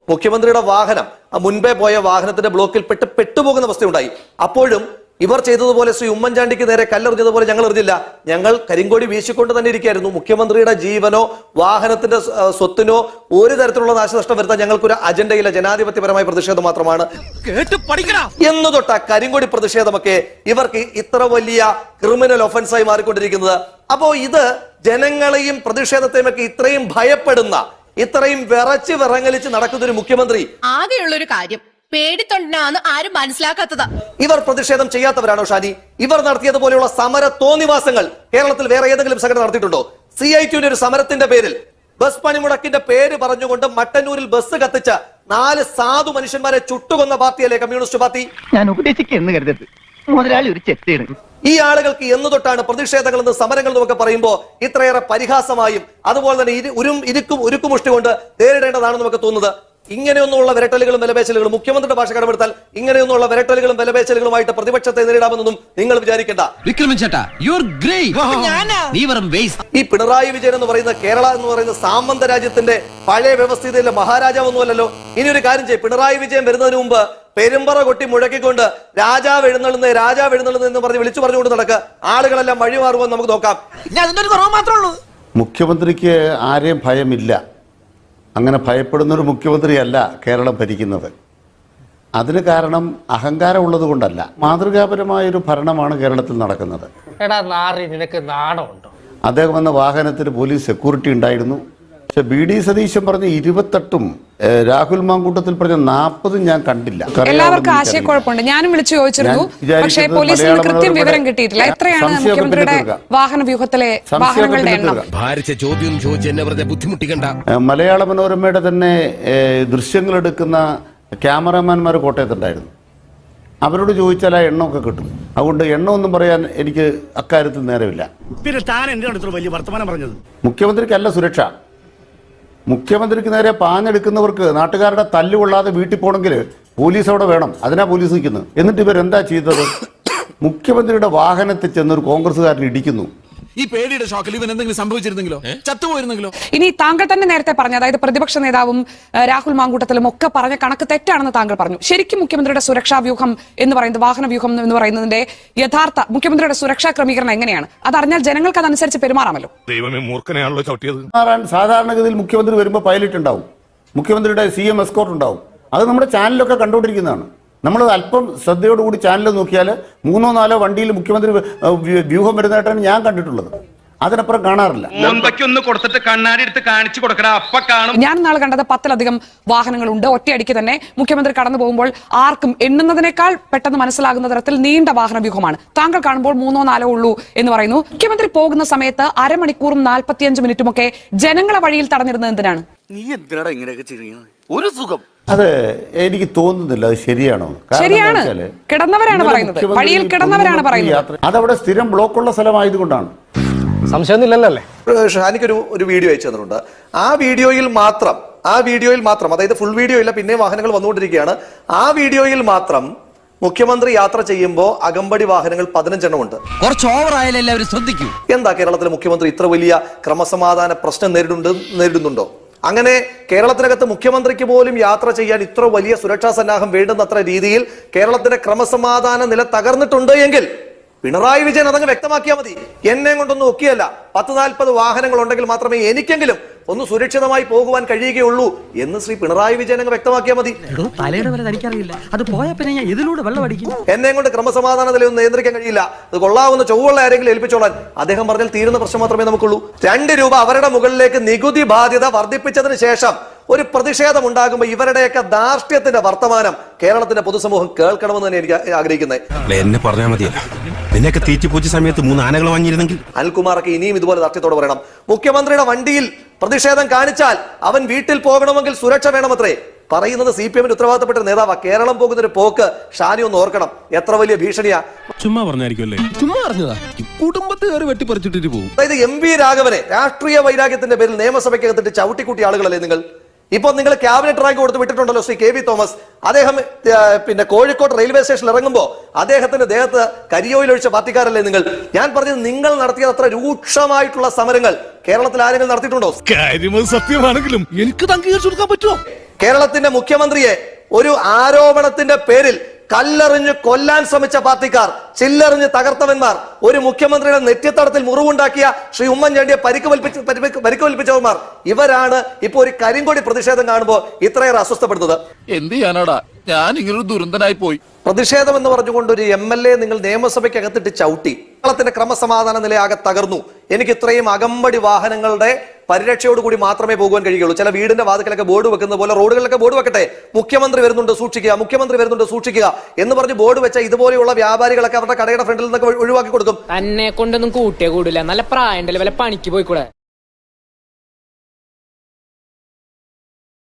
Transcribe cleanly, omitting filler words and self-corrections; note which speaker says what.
Speaker 1: മുഖ്യമന്ത്രിയുടെ വാഹനം മുൻപേ പോയ വാഹനത്തിന്റെ ബ്ലോക്കിൽ പെട്ടുപോകുന്ന അവസ്ഥയുണ്ടായി. അപ്പോഴും ഇവർ ചെയ്തതുപോലെ ശ്രീ ഉമ്മൻചാണ്ടിക്ക് നേരെ കല്ലെറിഞ്ഞതുപോലെ ഞങ്ങൾ എറിഞ്ഞില്ല. ഞങ്ങൾ കരിങ്കോടി വീശിക്കൊണ്ട് തന്നെ ഇരിക്കുകയായിരുന്നു. മുഖ്യമന്ത്രിയുടെ ജീവനോ വാഹനത്തിന്റെ സ്വത്തിനോ ഒരു തരത്തിലുള്ള നാശനഷ്ടം വരുത്താൻ ഞങ്ങൾക്കൊരു അജണ്ടയില്ല. ജനാധിപത്യപരമായ പ്രതിഷേധം മാത്രമാണ് എന്ന് തൊട്ട കരിങ്കോടി പ്രതിഷേധമൊക്കെ ഇവർക്ക് ഇത്ര വലിയ ക്രിമിനൽ ഒഫൻസായി മാറിക്കൊണ്ടിരിക്കുന്നത്. അപ്പോ ഇത് ജനങ്ങളെയും പ്രതിഷേധത്തെയും ഒക്കെ ഇത്രയും ഭയപ്പെടുന്ന, ഇത്രയും വിറങ്ങലിച്ച് നടക്കുന്ന ഒരു മുഖ്യമന്ത്രി
Speaker 2: ആകെയുള്ളൊരു കാര്യം പേടിത്തൊണ്ടാണ് ആരും മനസ്സിലാക്കാത്തത്.
Speaker 1: ഇവർ പ്രതിഷേധം ചെയ്യാത്തവരാണോ ഷാനി? ഇവർ നടത്തിയതുപോലെയുള്ള സമര തോന്നിവാസങ്ങൾ കേരളത്തിൽ വേറെ ഏതെങ്കിലും സംഘടന നടത്തിയിട്ടുണ്ടോ? CITUവിന്റെ ഒരു സമരത്തിന്റെ പേരിൽ ബസ് പണിമുടക്കിന്റെ പേര് പറഞ്ഞുകൊണ്ട് മട്ടന്നൂരിൽ ബസ് കത്തിച്ച 4 സാധു മനുഷ്യന്മാരെ ചുട്ടുകൊന്ന പാർട്ടിയല്ലേ കമ്മ്യൂണിസ്റ്റ് പാർട്ടി?
Speaker 3: ഞാൻ ഉപദേശിക്കുന്നു കരുതരുത്, മുതലാളി ഒരു ചെത്തിയാണ്.
Speaker 1: ഈ ആളുകൾക്ക് എന്ന് തൊട്ടാണ് പ്രതിഷേധങ്ങൾ എന്ന് സമരങ്ങൾ എന്നൊക്കെ പറയുമ്പോൾ ഇത്രയേറെ പരിഹാസമായും അതുപോലെ തന്നെ ഉരുക്കുമുഷ്ടി കൊണ്ട് നേരിടേണ്ടതാണെന്ന് നമുക്ക് തോന്നുന്നത്. ഇങ്ങനെയൊന്നുള്ള വിരട്ടലുകളും വിലപേശലുകളും മുഖ്യമന്ത്രിയുടെ ഭാഷ കടമെടുത്താൽ ഇങ്ങനെയൊന്നുള്ള വിരട്ടലുകളും വിലപേശലുകളുമായിട്ട് പ്രതിപക്ഷത്തെ നേരിടാമെന്നൊന്നും നിങ്ങൾ വിചാരിക്കേണ്ട. ഈ പിണറായി വിജയൻ എന്ന് പറയുന്ന കേരള എന്ന് പറയുന്ന സാമന്ത രാജ്യത്തിന്റെ പഴയ വ്യവസ്ഥിതിയിലെ മഹാരാജാവൊന്നുമല്ലോ. ഇനി ഒരു കാര്യം ചെയ്യും, പിണറായി വിജയൻ വരുന്നതിന് മുമ്പ് പെരുമ്പറ കൊട്ടി മുഴക്കിക്കൊണ്ട് രാജാവ് എഴുന്നള്ളുന്ന എന്ന് പറഞ്ഞ് വിളിച്ചു പറഞ്ഞുകൊണ്ട് നടക്കുക. ആളുകളെല്ലാം വഴിമാറുമെന്ന് നമുക്ക് നോക്കാം.
Speaker 4: മുഖ്യമന്ത്രിക്ക് ആരെയും ഭയമില്ല. അങ്ങനെ ഭയപ്പെടുന്നൊരു മുഖ്യമന്ത്രിയല്ല കേരളം ഭരിക്കുന്നത്. അതിന് കാരണം അഹങ്കാരം ഉള്ളത് കൊണ്ടല്ല, മാതൃകാപരമായൊരു ഭരണമാണ് കേരളത്തിൽ നടക്കുന്നത്. അദ്ദേഹം വന്ന വാഹനത്തിന് പോലീസ് സെക്യൂരിറ്റി ഉണ്ടായിരുന്നു. പക്ഷെ BD സതീശൻ പറഞ്ഞ 28ഉം രാഹുൽ മാങ്കൂട്ടത്തിൽ പറഞ്ഞ 40ഉം ഞാൻ കണ്ടില്ല.
Speaker 5: എല്ലാവർക്കും ആശയക്കുഴപ്പമുണ്ട്. ഞാനും വിളിച്ചു ചോദിച്ചിരുന്നു, പക്ഷേ പോലീസിന് കൃത്യം വിവരം കിട്ടിയിട്ടില്ല. എത്രയാണ് മുഖ്യമന്ത്രിയുടെ വാഹന വ്യൂഹത്തിലെ വാഹനങ്ങളുടെ എണ്ണം?
Speaker 4: മലയാള മനോരമയുടെ തന്നെ ദൃശ്യങ്ങൾ എടുക്കുന്ന ക്യാമറാമാൻമാർ കോട്ടയത്തുണ്ടായിരുന്നു. അവരോട് ചോദിച്ചാൽ ആ എണ്ണമൊക്കെ കിട്ടും. അതുകൊണ്ട് എണ്ണമൊന്നും പറയാൻ എനിക്ക് അക്കാര്യത്തിൽ നേരമില്ല. മുഖ്യമന്ത്രിക്കല്ല സുരക്ഷ. മുഖ്യമന്ത്രിക്ക് നേരെ പാഞ്ഞെടുക്കുന്നവർക്ക് നാട്ടുകാരുടെ തല്ലുകൊള്ളാതെ വീട്ടിൽ പോകണമെങ്കിൽ പോലീസ് അവിടെ വേണം. അതിനാ പോലീസ് നിൽക്കുന്നത്. എന്നിട്ട് ഇവരെന്താ ചെയ്തത്? മുഖ്യമന്ത്രിയുടെ വാഹനത്തിൽ ചെന്നൊരു കോൺഗ്രസ്സുകാരൻ ഇടിക്കുന്നു.
Speaker 6: ഈ പേടിയുടെ ഷോക്കിൽ ഇവൻ എന്തെങ്കിലും സംഭവിച്ചിരുന്നെങ്കിലോ, ചത്തുപോയിരുന്നെങ്കിലോ?
Speaker 5: ഇനി താങ്കൾ തന്നെ നേരത്തെ പറഞ്ഞു, അതായത് പ്രതിപക്ഷ നേതാവും രാഹുൽ മാങ്കൂട്ടത്തിലും ഒക്കെ പറഞ്ഞ കണക്ക് തെറ്റാണെന്ന് താങ്കൾ പറഞ്ഞു. ശരിക്കും മുഖ്യമന്ത്രിയുടെ സുരക്ഷാ വ്യൂഹം എന്ന് പറയുന്നത്, വാഹന വ്യൂഹം എന്ന് പറയുന്നതിന്റെ യഥാർത്ഥ മുഖ്യമന്ത്രിയുടെ സുരക്ഷാ ക്രമീകരണം എങ്ങനെയാണ്? അതറിഞ്ഞാൽ ജനങ്ങൾക്ക് അതനുസരിച്ച് പെരുമാറാമല്ലോ.
Speaker 6: ദൈവമേ, മൂർഖനെയാണല്ലോ ചവിട്ടിയത്.
Speaker 4: സാധാരണഗതിയിൽ മുഖ്യമന്ത്രി വരുമ്പോൾ പൈലറ്റ് ഉണ്ടാവും, മുഖ്യമന്ത്രിയുടെ CM എസ്കോർട്ട് ഉണ്ടാവും. അത് നമ്മുടെ ചാനലൊക്കെ കണ്ടുകൊണ്ടിരിക്കുന്നതാണ്. നമ്മൾ അല്പം ശ്രദ്ധയോടുകൂടി ചാനൽ നോക്കിയാൽ 3-4 വണ്ടിയിൽ മുഖ്യമന്ത്രി വ്യൂഹം വരുന്നതായിട്ടാണ് ഞാൻ കണ്ടിട്ടുള്ളത്. അതിനപ്പുറം കാണാറില്ല.
Speaker 5: ഞാൻ നാളെ കണ്ടത് 10-ലധികം വാഹനങ്ങളുണ്ട്. ഒറ്റയടിക്ക് തന്നെ മുഖ്യമന്ത്രി കടന്നു പോകുമ്പോൾ ആർക്കും എണ്ണുന്നതിനേക്കാൾ പെട്ടെന്ന് മനസ്സിലാകുന്ന തരത്തിൽ നീണ്ട വാഹന വ്യൂഹമാണ്. താങ്കൾ കാണുമ്പോൾ 3-4 ഉള്ളൂ എന്ന് പറയുന്നു. മുഖ്യമന്ത്രി പോകുന്ന സമയത്ത് അരമണിക്കൂറും 45 മിനിറ്റും ഒക്കെ ജനങ്ങളെ വഴിയിൽ തടഞ്ഞിരുന്നത് എന്തിനാണ്?
Speaker 7: നീ എന്തിനാടാ ഇങ്ങനെയൊക്കെ ചെയ്യുന്നത്? ഒരു സുഖം.
Speaker 4: അത് എനിക്ക് തോന്നുന്നില്ല അത് ശരിയാണോ.
Speaker 5: ശരിയാണ്, കിടന്നവരാണ് പറയുന്നത്, വഴിയിൽ കിടന്നവരാണ് പറയുന്നത്.
Speaker 4: അതവിടെ സ്ഥിരം ബ്ലോക്കുള്ള സ്ഥലമായതുകൊണ്ടാണ്.
Speaker 1: സംശയമൊന്നുമില്ലല്ലേ? എനിക്കൊരു വീഡിയോ അയച്ചു തന്നിട്ടുണ്ട്. ആ വീഡിയോയിൽ മാത്രം അതായത് ഫുൾ വീഡിയോ ഇല്ല, പിന്നെ വാഹനങ്ങൾ വന്നുകൊണ്ടിരിക്കുകയാണ്. ആ വീഡിയോയിൽ മാത്രം മുഖ്യമന്ത്രി യാത്ര ചെയ്യുമ്പോൾ അകമ്പടി വാഹനങ്ങൾ 15 എണ്ണം ഉണ്ട്.
Speaker 7: കുറച്ച് ഓവറായാലും എല്ലാവരും ശ്രദ്ധിക്കൂ.
Speaker 1: എന്താ കേരളത്തിലെ മുഖ്യമന്ത്രി ഇത്ര വലിയ ക്രമസമാധാന പ്രശ്നം നേരിടുന്നുണ്ടോ? അങ്ങനെ കേരളത്തിനകത്ത് മുഖ്യമന്ത്രിക്ക് പോലും യാത്ര ചെയ്യാൻ ഇത്ര വലിയ സുരക്ഷാ സന്നാഹം വേണ്ടുന്നത്ര രീതിയിൽ കേരളത്തിന്റെ ക്രമസമാധാന നില തകർന്നിട്ടുണ്ട് എങ്കിൽ പിണറായി വിജയൻ അതങ്ങ് വ്യക്തമാക്കിയാൽ മതി. എന്നെ കൊണ്ടൊന്നും ഒക്കെയല്ല, 10-40 വാഹനങ്ങൾ ഉണ്ടെങ്കിൽ മാത്രമേ എനിക്കെങ്കിലും ഒന്ന് സുരക്ഷിതമായി പോകുവാൻ കഴിയുകയുള്ളൂ എന്ന് ശ്രീ പിണറായി വിജയൻ അങ്ങ് വ്യക്തമാക്കിയാൽ മതി. എന്നെ കൊണ്ട് ക്രമസമാധാന നിലയൊന്നും നിയന്ത്രിക്കാൻ കഴിയില്ല, അത് കൊള്ളാവുന്ന ചൊവ്വുള്ള ആരെങ്കിലും ഏൽപ്പിച്ചോളാൻ അദ്ദേഹം പറഞ്ഞാൽ തീരുന്ന പ്രശ്നം മാത്രമേ നമുക്കുള്ളൂ. 2 രൂപ അവരുടെ മുകളിലേക്ക് നികുതി ബാധ്യത വർദ്ധിപ്പിച്ചതിന് ശേഷം ഒരു പ്രതിഷേധം ഉണ്ടാകുമ്പോൾ ഇവരുടെയൊക്കെ ധാർഷ്ട്യത്തിന്റെ വർത്തമാനം കേരളത്തിന്റെ പൊതുസമൂഹം കേൾക്കണമെന്ന് തന്നെ എനിക്ക് ആഗ്രഹിക്കുന്നത്.
Speaker 6: എന്നെ പറഞ്ഞാൽ മതിയല്ലോ, നിന്നെയൊക്കെ തീറ്റിപ്പൂച്ച സമയത്ത് 3 ആനകൾ വാങ്ങിയിരുന്നെങ്കിൽ.
Speaker 1: അനിൽകുമാറൊക്കെ ഇനിയും ഇതുപോലെ ധാർഷ്ട്യത്തോടെ പറയണം. മുഖ്യമന്ത്രിയുടെ വണ്ടിയിൽ പ്രതിഷേധം കാണിച്ചാൽ അവൻ വീട്ടിൽ പോകണമെങ്കിൽ സുരക്ഷ വേണമത്രേ. പറയുന്നത് CPM-ന്റെ ഉത്തരവാദിത്തപ്പെട്ട നേതാവാ. കേരളം പോകുന്നൊരു പോക്ക് ഷാനി ഒന്ന് ഓർക്കണം, എത്ര വലിയ ഭീഷണിയാ.
Speaker 6: ചുമ്മാ പറഞ്ഞായിരിക്കുമല്ലേ? ചുമ്മാ പറഞ്ഞതാ. കുടുംബത്തുകാർ വെട്ടിപ്പറിച്ചിട്ട് പോകും.
Speaker 1: അതായത് MV രാഘവനെ രാഷ്ട്രീയ വൈരാഗ്യത്തിന്റെ പേരിൽ നിയമസഭയ്ക്കകത്തിട്ട് ചവിട്ടിക്കൂട്ടിയ ആളുകളല്ലേ നിങ്ങൾ? ഇപ്പൊ നിങ്ങൾ ക്യാബിനറ്റ് റാങ്ക് കൊടുത്ത് വിട്ടിട്ടുണ്ടല്ലോ ശ്രീ KV തോമസ്. അദ്ദേഹം പിന്നെ കോഴിക്കോട് റെയിൽവേ സ്റ്റേഷനിൽ ഇറങ്ങുമ്പോൾ അദ്ദേഹത്തിന്റെ ദേഹത്ത് കരിയോയിൽ ഒഴിച്ച പാർട്ടിക്കാരല്ലേ നിങ്ങൾ? ഞാൻ പറഞ്ഞത് നിങ്ങൾ നടത്തിയ അത്ര രൂക്ഷമായിട്ടുള്ള സമരങ്ങൾ കേരളത്തിൽ ആരെങ്കിലും നടത്തിയിട്ടുണ്ടോ?
Speaker 6: കാര്യം സത്യമാണെങ്കിലും എനിക്ക് അംഗീകരിച്ചു കൊടുക്കാൻ പറ്റുമോ?
Speaker 1: കേരളത്തിന്റെ മുഖ്യമന്ത്രിയെ ഒരു ആരോപണത്തിന്റെ പേരിൽ കല്ലെറിഞ്ഞ് കൊല്ലാൻ ശ്രമിച്ച പാർട്ടിക്കാർ, ചില്ലെറിഞ്ഞ് തകർത്തവന്മാർ, ഒരു മുഖ്യമന്ത്രിയുടെ നെറ്റിത്തടത്തിൽ മുറിവുണ്ടാക്കിയ ശ്രീ ഉമ്മൻചാണ്ടിയെ പരിക്കുവൽപ്പിച്ചവന്മാർ, ഇവരാണ് ഇപ്പൊ ഒരു കരിങ്കൊടി പ്രതിഷേധം കാണുമ്പോൾ ഇത്രയേറെ അസ്വസ്ഥപ്പെടുന്നത്.
Speaker 6: എന്ത് ചെയ്യാനാടാ, ഞാൻ ഇങ്ങനൊരു ദുരന്തനായി പോയി.
Speaker 1: പ്രതിഷേധം എന്ന് പറഞ്ഞുകൊണ്ട് ഒരു MLA നിങ്ങൾ നിയമസഭയ്ക്കകത്തിട്ട് ചവിട്ടി. കേരളത്തിന്റെ ക്രമസമാധാന നിലയാകെ തകർന്നു. എനിക്ക് ഇത്രയും അകമ്പടി വാഹനങ്ങളുടെ പരിരക്ഷയോടുകൂടി മാത്രമേ പോകുവാൻ കഴിയുള്ളൂ. ചില വീടിന്റെ വാതിക്കലൊക്കെ ബോർഡ് വെക്കുന്ന പോലെ റോഡുകളിലൊക്കെ ബോർഡ് വെക്കട്ടെ, മുഖ്യമന്ത്രി വരുന്നുണ്ട് സൂക്ഷിക്കുക, മുഖ്യമന്ത്രി വരുന്നുണ്ട് സൂക്ഷിക്കുക എന്ന് പറഞ്ഞ് ബോർഡ് വെച്ച ഇതുപോലെയുള്ള വ്യാപാരികളൊക്കെ അവരുടെ കടയുടെ ഫ്രണ്ടിൽ നിന്നൊക്കെ ഒഴിവാക്കി കൊടുക്കും.
Speaker 8: തന്നെ കൊണ്ടൊന്നും കൂട്ടിയേ കൂടില്ല, നല്ല പ്രായം വല്ല പണിക്ക് പോയിക്കൂടെ.